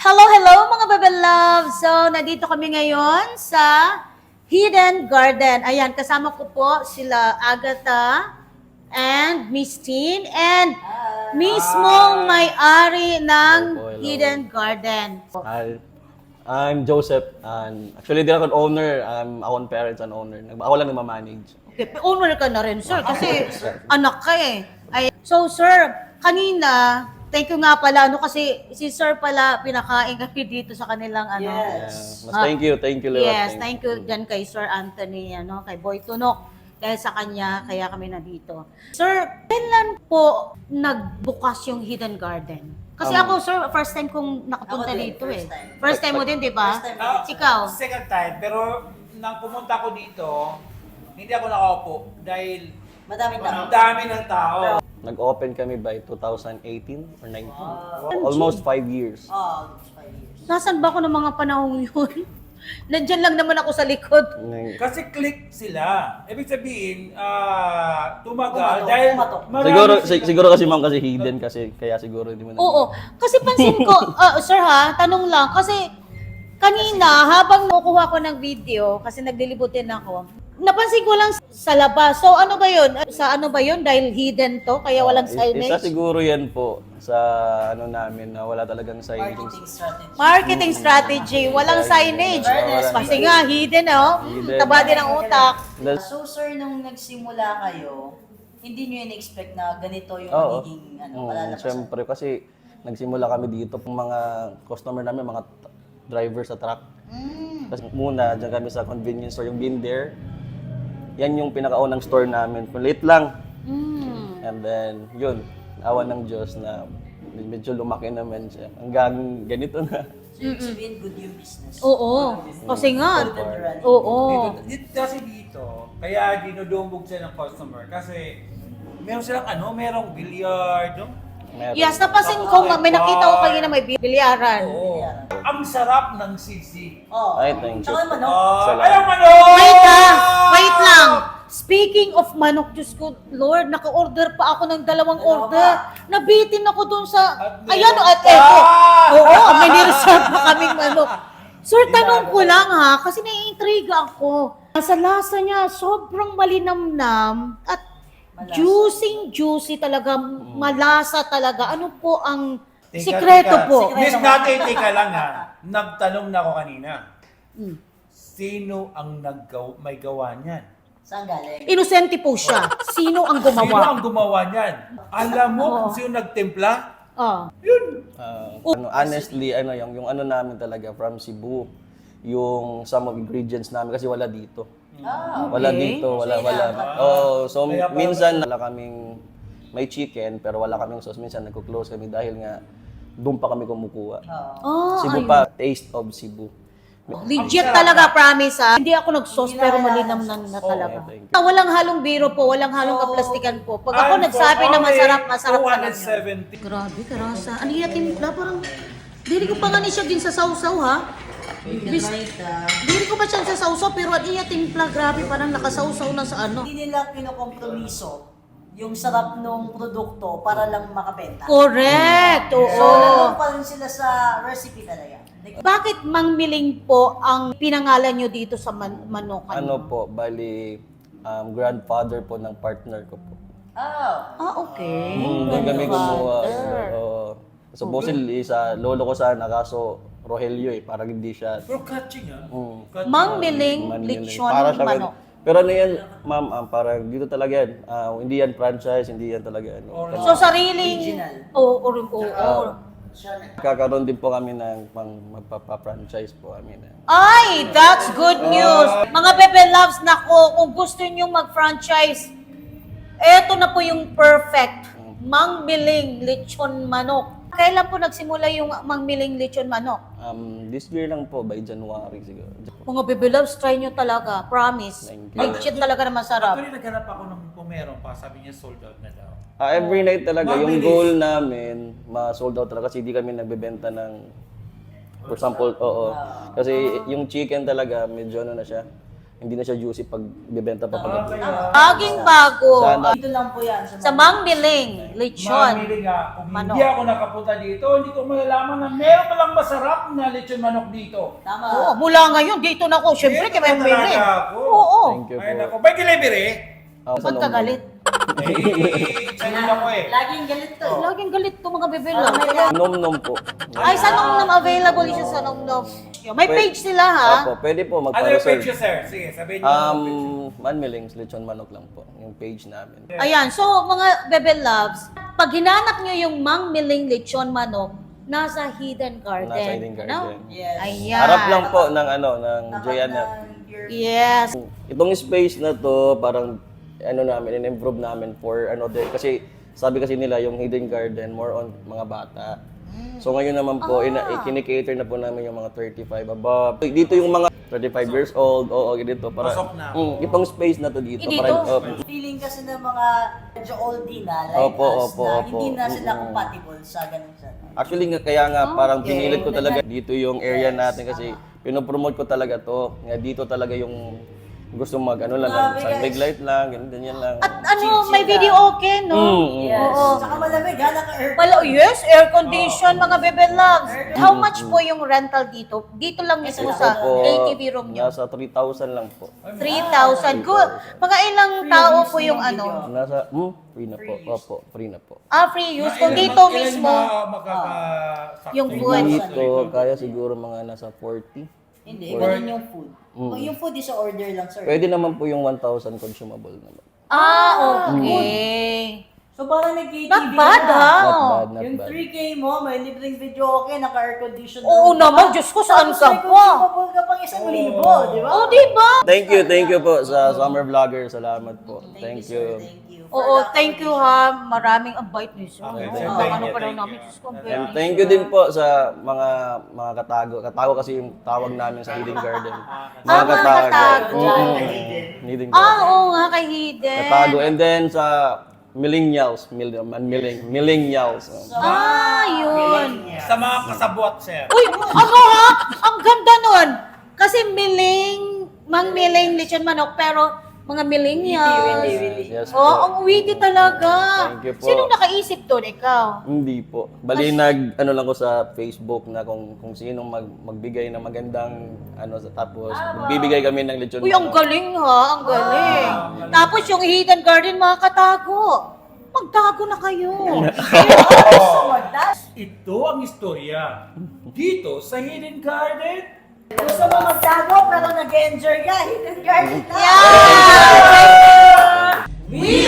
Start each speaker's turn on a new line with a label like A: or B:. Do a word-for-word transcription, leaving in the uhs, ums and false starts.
A: Hello, hello mga Bebe Love! So, nandito kami ngayon sa Hidden Garden. Ayan, kasama ko po sila Agatha and Miss Tin and mismong may-ari ng
B: Hello po, hello.
A: Hidden Garden.
B: Hi, I'm Joseph. And actually, di ako owner. I'm akong parents and owner. Nag- Ako lang nagmamanage.
A: Okay, owner ka na rin, sir, kasi anak ka eh. Ay, so, sir, kanina, thank you nga pala, ano, kasi si sir pala, pinakain kami dito sa kanilang, ano.
B: Yeah.
C: Yes.
B: Mas thank you, thank you, Lewat.
A: Yes, thank you dyan kay Sir Anthony, ano, kay Boy Tunok. Dahil sa kanya, kaya kami nandito. Sir, kailan po nagbukas yung Hidden Garden? Kasi
B: Um,
A: ako, sir, first time kong nakapunta
C: Ako din,
A: dito
C: first
A: eh.
C: time.
A: First time mo din, di ba?
C: First time.
D: Ah,
A: Ikaw?
D: Second time, pero nang pumunta ko dito, hindi ako nakaupo dahil
C: Madaming tao.
D: ang dami ng tao.
B: Nag-open kami by two thousand eighteen or nineteen. Almost five years.
C: Oh, five years.
A: Nasaan ba ako ng mga panahon yun? Nandyan lang naman ako sa likod.
B: Nang-
D: Kasi click sila. Ibig sabihin, ah, tumagal
C: Pumatok,
D: dahil
C: pumatok.
D: marami
B: Siguro,
D: sila-
B: si- siguro kasi ma'am kasi hidden kasi kaya siguro hindi mo na.
A: Oo. Kasi pansin ko, ah, sir ha, tanong lang, kasi kanina, habang nakukuha ko ng video, kasi naglilibutin ako, napansin ko lang sa labas. So ano ba yun? Sa ano ba yun? Dahil hidden to, kaya walang
B: Is-
A: signage?
B: Isa siguro yan po sa ano namin na wala talagang signage.
C: Marketing strategy.
A: Marketing strategy, walang signage.
C: Awareness.
A: Kasi nga, hidden oh.
B: Hidden.
A: Taba din ang utak.
B: That's-
C: So sir, nung nagsimula kayo, hindi nyo in-expect na ganito yung
B: Oo.
C: magiging ano,
B: Oo,
C: palalabasan?
B: Siyempre, kasi nagsimula kami dito, yung mga customer namin, mga t- driver sa truck.
C: Mm.
B: Kasi muna, dyan kami sa convenience store, yung Been There. Yan yung pinakaunang store namin. Late lang.
A: Mm.
B: And then, yun, awa ng Diyos na medyo lumaki naman siya. Hanggang ganito na.
C: So yung sabihin, good yung business.
A: Oo. Kasi nga,
C: Good and running.
A: oo.
D: Dito, dito, kasi dito, kaya dinudumbog sila ng customer. Kasi meron silang ano, merong billiard, no?
B: Meron.
A: Yes, napansin ko, may nakita ko kayo na may bilyaran.
D: Oo. Ang sarap ng sisig.
C: Oh.
B: Ay, thank you.
C: Tsaka yung manok.
D: Ah,
B: Salamat.
D: ayaw ano!
A: Wait ah! Wait lang! Speaking of manok, Diyos ko, Lord, naka-order pa ako ng dalawang
C: Dalawa
A: order. Nabitin ako dun sa...
D: At
A: Ayan,
D: meron
A: at
D: pa!
A: eto. Oo, may nireserve pa kaming manok. Sir, tanong ko lang ha, kasi naiintriga ako. Sa lasa niya, sobrang malinamnam at
C: Malasa.
A: juicy-juicy talaga, malasa talaga. Ano po ang
D: Teka,
A: sikreto
D: teka.
A: po?
D: Miss Nate, teka lang ha. Nagtanong na ako kanina.
A: Hmm.
D: Sino ang naggaw may gawa niyan?
C: Saan galing?
A: Inosente po siya. Sino ang
D: Sino
A: gumawa?
D: ang gumawa niyan? Alam mo
A: Oo.
D: kung sino nagtimpla?
A: Ah.
D: Yun.
B: Ah, ano, honestly, ano, yung, yung ano namin talaga from Cebu, yung some of ingredients namin kasi wala dito.
C: Ah,
B: Wala
A: Okay.
B: dito, wala,
C: So,
B: wala.
C: ina-
B: Oh, so
D: Kaya pala-
B: minsan wala kaming may chicken pero wala kaming sauce. Minsan nagko-close kami dahil nga doon pa kami kumukuha.
C: oh.
A: Oh,
B: Cebu
A: ayun.
B: pa, taste of Cebu.
A: Legit talaga, promise ha. Hindi ako nag-sauce pero malinam na, na
D: Oo,
A: talaga.
B: thank
A: Ah, walang halong biro po, walang halong kaplastikan po. Pag ako nagsabi na masarap, masarap talaga.
D: two seventy.
A: Grabe, karasa. Ano yung timpla? Parang, dili ko pa nga ni siya din sa sausaw ha. Bis,
C: ah,
A: dili ko pa siya sa sausaw pero ano yung timpla? Grabe, parang nakasausaw na sa ano.
C: hindi nila kinokompromiso yung sarap ng produkto para lang makabenta.
A: Correct, oo.
C: So, nandun pa rin sila sa recipe talaga. Like,
A: Bakit Mang Miling po ang pinangalan nyo dito sa man- manok?
B: Ano po, bali um, grandfather po ng partner ko po.
C: oh.
A: Ah, okay.
B: Mm, doon kami kumuha.
A: Grandfather.
B: Oo. Supposedly sa lolo ko sana kaso Rogelio eh, parang hindi siya.
D: Pero catching ah.
B: Mm.
D: Catching.
A: Mang Miling,
B: Manila.
A: lechon,
B: Para siya
A: manok.
B: Pero ano yan, ma'am, ah, parang dito talaga yan. Ah, hindi yan franchise, hindi yan talaga ano.
A: So, sariling...
C: Original.
A: Oo, oo, oo, oo.
C: Siya na.
B: Kakaroon din po kami ng pang magpapa-franchise po kami na.
A: Ay, that's good news. Mga Bebe Loves, nako, kung gusto nyo mag-franchise, eto na po yung perfect. Mang Miling Lechon Manok. Kailan po nagsimula yung Mang Miling Lechon Manok?
B: Um, this year lang po, by January siguro.
A: Mga Bebe Loves, try nyo talaga. Promise.
B: Thank you.
A: Legit talaga na masarap.
D: Actually, naghanap ako ng kung meron pa. Sabi niya sold out na daw.
B: Ah, every night talaga, yung
D: Mabilis.
B: goal namin, ma-sold out talaga kasi hindi kami nagbebenta ng, for example, oo. Kasi yung chicken talaga, medyo ano na siya, hindi na siya juicy pag bibenta pa pag
A: Laging bago.
B: Sana
C: Dito lang po yan.
A: Sa Mang Miling, lechon.
D: Mamili nga, kung
A: Manok.
D: hindi ako nakapunta dito, hindi ko malalaman na meron palang masarap na lechon manok dito.
C: Tama.
A: Oo, mula ngayon, dito na ako. Siyempre,
D: Dito
A: kaya
D: na
A: may
D: talaga
A: Miling.
D: ako.
A: Oo.
B: Thank you
D: Ay,
B: po.
D: nako. May delivery?
B: Ako sa
A: Ba't ka
B: Nongnong.
A: galit?
D: Eh, sa'yo ako eh.
C: Laging galit to. eh.
A: Laging galit to mga bebe
C: Ah,
A: love.
C: may lang.
B: Nom-nom po.
A: Ay, sa Nongnom, available siya sa Nongnom. May
B: Pwede-
A: page sila ha.
B: Opo, pwede po
D: Ano yung
B: magpa-reserve.
D: page niyo, sir? Sige, sabihin niyo.
B: Um, Manmilings, lechon manok lang po. Yung page namin.
A: Ayan, so mga bebe loves, pag hinanap nyo yung Mang Miling lechon manok, nasa Hidden Garden.
B: Nasa Hidden Garden.
A: No?
C: Yes.
A: Ayan.
B: Harap lang po ng ano, ng
C: Tapat
B: Joyanna.
C: ng your-
A: Yes.
B: Itong space na to, parang ano namin, in-improve namin for another, kasi sabi kasi nila yung Hidden Garden, more on mga bata. So ngayon naman po, ina, ikini-cater na po namin yung mga thirty-five above. Dito yung mga thirty-five years old, oo, dito. Para,
D: Pasok na.
B: Mm, itong space na to dito.
A: Eh, dito?
B: Para, oh,
C: Feeling kasi ng mga medyo oldie na, like
B: Opo,
C: us,
B: opo,
C: na
B: opo.
C: hindi na sila
B: Mm.
C: compatible sa ganun sa...
B: actually nga, kaya nga parang
A: Okay.
B: pinilit ko talaga dito yung area natin kasi pinopromote ko talaga to. Nga dito talaga yung gusto mag ano lang,
C: Grabe,
B: sun big
C: guys.
B: light lang, ganyan, ganyan lang.
A: At ano,
C: Chill-chill
A: may
C: lang.
A: video okay, no?
B: Mm,
C: Yes.
A: Oo.
C: Saka malamig, ha? Naka-air.
A: Wala, yes, air condition, mga bebe loves. How much po yung rental dito? Dito lang mismo
B: Ito
A: sa
B: po,
A: A T V room nyo.
B: nasa three thousand lang po.
A: three thousand. Good. Mga ilang tao po yung ano?
B: Nasa, hmm, free na po. Opo, free na po.
A: Ah, free use. Kung
D: Ilan-
A: dito
D: ilan
A: mismo,
D: ma- makakasakto?
A: yung food.
B: Dito, kaya siguro mga nasa forty.
C: Hindi, ganun yung food. Yung food is a order lang, sir.
B: Pwede naman po yung one thousand consumable naman.
A: Ah, okay.
C: So parang nag-K T V
A: Not bad,
C: na.
A: ha?
B: Not bad, not
C: Yung
B: bad.
C: three K mo, may libreng video okay, naka-air condition.
A: Oo naman, Diyos ko, saan
C: Tapos
A: ka
C: may
A: pa?
C: consumable ka pang isang libo, di ba?
A: Oh, di ba?
B: Thank you, thank you po sa Summer Vlogger. Salamat po. Thank
C: sir.
B: you.
C: Thank you.
A: Oo, thank you ha. Maraming ang bite ni sir.
D: Okay,
A: Oo,
D: sir,
A: ang
D: thank
A: ano
D: you,
A: pa daw
D: thank
A: namin,
D: you.
A: Diyos ko,
B: And
A: very
B: thank you din po sa mga mga katago. Katago kasi yung tawag namin sa Hidden Garden.
A: Ah, mga katago.
B: Mm, Hidden
A: Ah,
B: Garden.
A: oo nga, kay Hidden.
B: Katago. And then sa millennials, mil, man, milling, millennials.
A: Ah, yun.
D: Sa mga kasabwat, sir.
A: Uy, ano ha? Ang ganda nun. Kasi miling, mang miling lechon manok, pero mga millennials.
C: Really, really.
B: Yes
A: Oo,
B: po.
A: ang witty talaga.
B: Thank you po.
A: Sinong nakaisip doon? Ikaw?
B: Hindi po. Bali nag ano lang ko sa Facebook na kung kung sinong mag, magbigay ng magandang ano sa tapos bibigay kami ng lechon.
A: Uy, ang
B: manok.
A: galing ha, ang galing. Tapos yung Hidden Garden, mga katago. Magtago na kayo.
C: So, magdas.
D: Ito ang istorya. Dito sa Hidden Garden,
C: Gusto mo magtago pero nag-enjoy ka, hidden garden lang.
A: Yeah!
C: We